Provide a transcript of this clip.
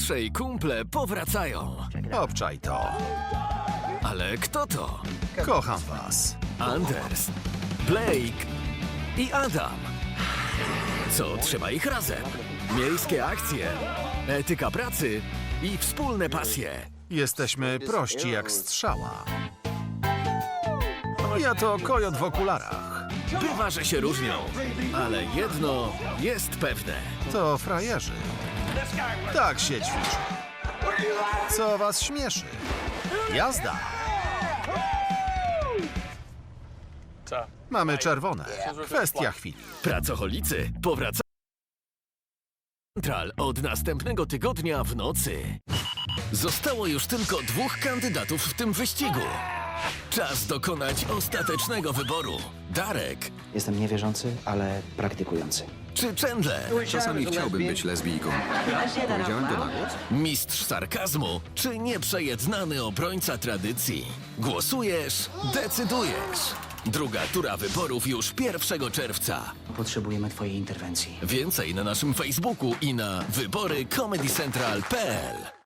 trzej kumple powracają. Obczaj to. Ale kto to? Kocham was. Anders, Blake i Adam. Co trzyma ich razem? Miejskie akcje, etyka pracy i wspólne pasje. Jesteśmy prości jak strzała. Ja to kojot w okularach. Bywa, że się różnią, ale jedno jest pewne. To frajerzy. Tak się ćwiczy. Co was śmieszy? Jazda. Mamy czerwone. Kwestia chwili. Pracocholicy powracają Central od następnego tygodnia w nocy. Zostało już tylko 2 kandydatów w tym wyścigu. Czas dokonać ostatecznego wyboru. Darek Jestem niewierzący, ale praktykujący. czy Chandler? Czasami chciałbym być lesbijką. Powiedziałem to na głos? Mistrz sarkazmu czy nieprzejednany obrońca tradycji? Głosujesz, decydujesz. Druga tura wyborów już 1 czerwca. Potrzebujemy twojej interwencji. Więcej na naszym Facebooku i na wybory comedycentral.pl.